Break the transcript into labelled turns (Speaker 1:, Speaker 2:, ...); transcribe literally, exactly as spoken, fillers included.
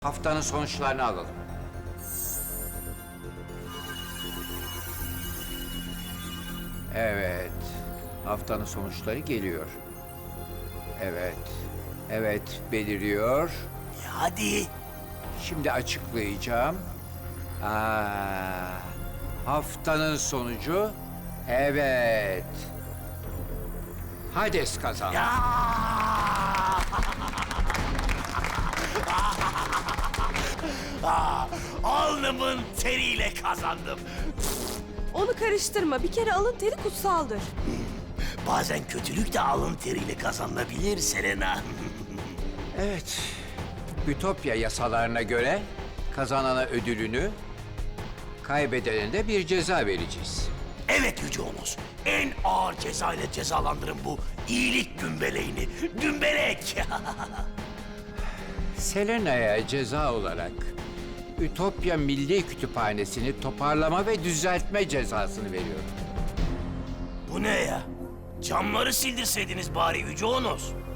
Speaker 1: Haftanın sonuçlarını alalım. Evet, haftanın sonuçları geliyor. Evet, evet beliriyor.
Speaker 2: Hadi.
Speaker 1: Şimdi açıklayacağım. Aa, haftanın sonucu, evet. Hades kazandı.
Speaker 2: Ya! Ah, alnımın teriyle kazandım.
Speaker 3: Onu karıştırma. Bir kere alın teri kutsaldır.
Speaker 2: Bazen kötülük de alın teriyle kazanılabilir Selena.
Speaker 1: Evet, Ütopya yasalarına göre kazanana ödülünü, kaybedene de bir ceza vereceğiz.
Speaker 2: Evet Yüce Onos. En ağır ceza ile cezalandırın bu iyilik gümbeleğini. Gümbelek!
Speaker 1: Selena'ya ceza olarak Ütopya Milli Kütüphanesi'ni toparlama ve düzeltme cezasını veriyorum.
Speaker 2: Bu ne ya? Camları sildirseydiniz bari Yüce Onos.